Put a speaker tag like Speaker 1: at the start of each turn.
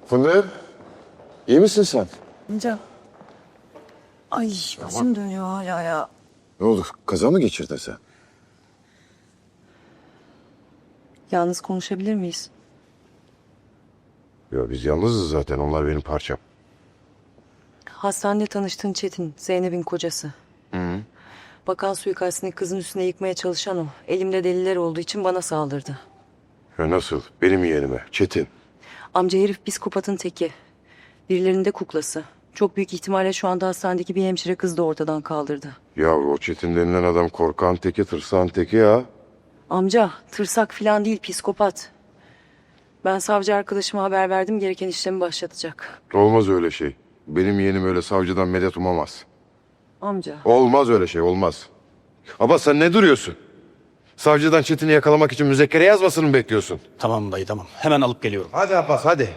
Speaker 1: Fındık, iyi misin sen?
Speaker 2: Amca. Ay başım dönüyor hala ya.
Speaker 1: Ne oldu, kaza mı geçirdin sen?
Speaker 2: Yalnız konuşabilir miyiz?
Speaker 3: Ya biz yalnızız zaten. Onlar benim parçam.
Speaker 2: Hastanede tanıştığın Çetin, Zeynep'in kocası. Bakan suikastini kızın üstüne yıkmaya çalışan o. Elimde deliller olduğu için bana saldırdı.
Speaker 3: Ya nasıl? Benim yeğenime. Çetin.
Speaker 2: Amca herif psikopatın teki. Birilerinin de kuklası. Çok büyük ihtimalle şu anda hastanedeki bir hemşire kız da ortadan kaldırdı.
Speaker 3: Ya o Çetin denilen adam korkan teki, tırsan teki ya.
Speaker 2: Amca tırsak falan değil, psikopat. Ben savcı arkadaşıma haber verdim, gereken işlemi başlatacak.
Speaker 3: Olmaz öyle şey. Benim yeğenim öyle savcıdan medet umamaz.
Speaker 2: Amca.
Speaker 3: Olmaz öyle şey, olmaz. Ama sen ne duruyorsun? Savcıdan Çetin'i yakalamak için müzekkere yazmasını mı bekliyorsun?
Speaker 4: Tamam dayı tamam. Hemen alıp geliyorum.
Speaker 3: Hadi Abbas, hadi.